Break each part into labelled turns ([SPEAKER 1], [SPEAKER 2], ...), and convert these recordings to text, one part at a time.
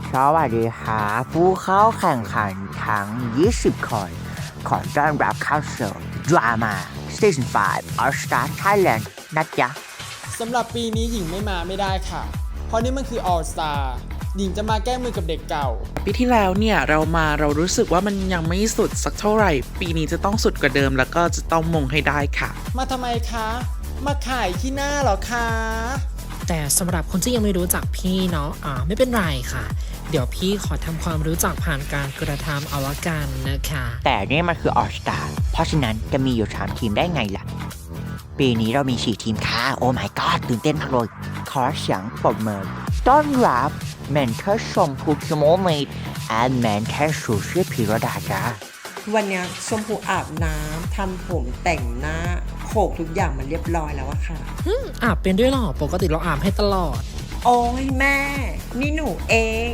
[SPEAKER 1] สวัสดีค่ะผู้เข้าแข่งขันทั้ง 20 คน ขอต้อนรับเข้าสู่ Drama Season 5 All Star Thailand นะจ๊ะ
[SPEAKER 2] สำหรับปีนี้หญิงไม่มาไม่ได้ค่ะ เพราะนี่มันคือ All Star หญิงจะมาแก้มือกับเด็กเก่า
[SPEAKER 3] ปีที่แล้วเนี่ยเรารู้สึกว่ามันยังไม่สุดสักเท่าไหร่ ปีนี้จะต้องสุดกว่าเดิมแล้วก็จะต้องมงให้ได้ค่ะ
[SPEAKER 2] มาทำไมคะ มาขายขี้หน้าเหรอคะ
[SPEAKER 4] แต่สำหรับคนที่ยังไม่รู้จักพี่เนาะไม่เป็นไรค่ะ เดี๋ยวพี่ขอทำความรู้จักผ่านการกระทำเอาละกันนะคะ
[SPEAKER 1] แต่นี่มันคือ All Star เพราะฉะนั้นจะมีอยู่ 3 ทีมได้ไงล่ะ ปีนี้เรามี 4 ทีมค่ะ โอ้ my god ตื่นเต้นมากเลย ขอเสียงปรบมือต้อนรับเมนเทอร์ชมพูคิโมเมดและเมนเทอร์ชูชื่อพิรดาจ้า
[SPEAKER 5] วันเนี้ยชมพูอาบน้ำทำผมแต่งหน้าโขกทุกอย่างมันเรียบร้อยแล้วอะค่ะ
[SPEAKER 4] อาบเป็นด้วยเหรอ ปกติเราอาบให้ตลอด
[SPEAKER 5] โอ้ยแม่ นี่หนูเอง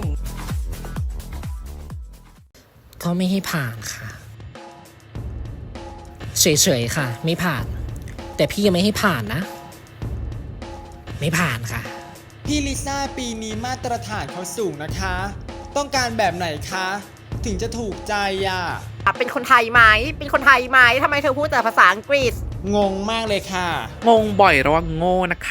[SPEAKER 4] ก็ไม่ให้ผ่านค่ะ เฉยๆค่ะ ไม่ผ่าน แต่พี่ยังไม่ให้ผ่านนะ ไม่ผ่านค่ะ
[SPEAKER 2] พี่ลิซ่าปีนี้มาตรฐานเขาสูงนะคะ ต้องการแบบไหนคะ ถึงจะถูกใจอ่ะ
[SPEAKER 6] เป็นคนไทยไหม เป็นคนไทยไหม ทำไมเธอพูดแต่ภาษาอังกฤษ
[SPEAKER 2] งงมากเลยค่ะ
[SPEAKER 3] งงบ่อยระวังโง่นะคะ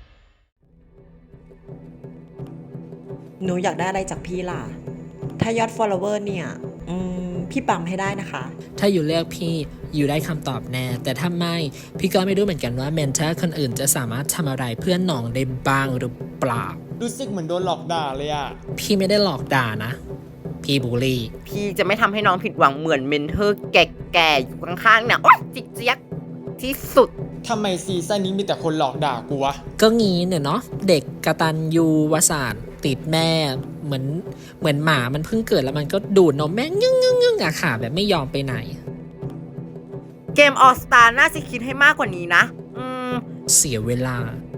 [SPEAKER 5] หนูอยากได้อะไรจากพี่ล่ะ ถ้ายอด follower เนี่ย พี่ปั๊มให้ได้นะคะ
[SPEAKER 4] ถ้าอยู่เลือกพี่อยู่ได้คำตอบแน่ แต่ถ้าไม่ พี่ก็ไม่รู้เหมือนกันว่าเมนเทอร์คนอื่นจะสามารถทำอะไรเพื่อนน้องได้บ้างหรือเปล่า
[SPEAKER 2] รู้สึกเหมือนโดนหลอกด่าเลยอ่ะ
[SPEAKER 4] พี่ไม่ได้หลอกด่านะ พี่บูลลี่
[SPEAKER 6] พี่จะไม่ทำให้น้องผิดหวังเหมือนเมนเทอร์แก่ๆ อยู่ข้างๆเนี่ยโอ๊ยจิกเจี๊ยกที่สุด
[SPEAKER 2] ทำไมซีซั่นนี้มีแต่คนหลอกด่ากูวะ
[SPEAKER 4] ก็งี้เนี่ยเนาะเด็กกตัญญูวสานติดแม่เหมือนหมามันเพิ่งเกิดแล้วมันก็ดูดนมแม่งงึ่งอะค่ะแบบไม่ยอมไปไหน
[SPEAKER 6] เกมออสตาน่าจะคิดให้มากกว่านี้นะ
[SPEAKER 4] เสียเวลา